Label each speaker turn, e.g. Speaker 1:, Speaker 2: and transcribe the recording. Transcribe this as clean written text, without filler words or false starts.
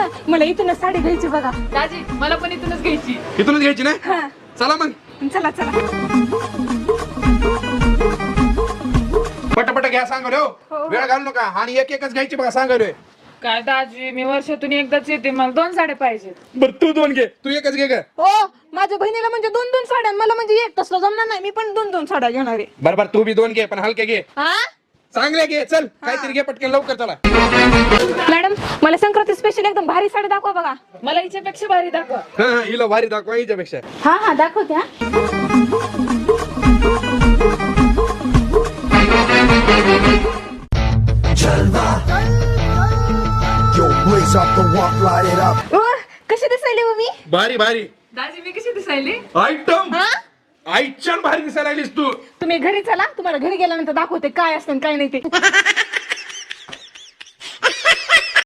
Speaker 1: ना मला इथूनच साडी घ्यायची बघा.
Speaker 2: दाजी मला पण इथूनच घ्यायची.
Speaker 3: इथूनच घ्यायची ना?
Speaker 1: हा
Speaker 3: चला मग
Speaker 1: चला चला.
Speaker 3: पटापट घ्या सांगलोय
Speaker 1: हो.
Speaker 3: वेळ घालू नका आणि एक एकच घ्यायची बघा सांगलोय.
Speaker 2: काय दाजी मी वर्षातून एकदाच येते मला 2 साड्या पाहिजेत.
Speaker 3: बर तू 2 घे, तू एकच घे ग.
Speaker 1: हो माझ्या बहिणीला म्हणजे 2-2 साड्या मला म्हणजे एक तसलं जमणार नाही. मी पण 2-2 साड्या घेणार आहे.
Speaker 3: बर तू बी 2 घे पण हलके घे.
Speaker 1: हा
Speaker 3: चांगले घे चल काहीतरी घे पटकन लवकर चला.
Speaker 1: मॅडम मला संक्रांती स्पेशल एकदम भारी साडी दाखवा बघा.
Speaker 2: मला हिच्यापेक्षा भारी दाखवा.
Speaker 3: हा हिला भारी दाखवा हिच्यापेक्षा.
Speaker 1: हा हा दाखवते. हा
Speaker 4: Yo, blaze up the walk, light it up.
Speaker 1: कशी दिसायली हो मी?
Speaker 3: भारी भारी
Speaker 2: दाजी मी कशी दिसायली?
Speaker 3: आयटम
Speaker 1: हा
Speaker 3: आईच्यान भारी दिसायला लागलीस तू.
Speaker 1: तुम्ही घरी चला तुम्हाला घरी गेल्यानंतर दाखवते काय असतं आणि काय नाही ते.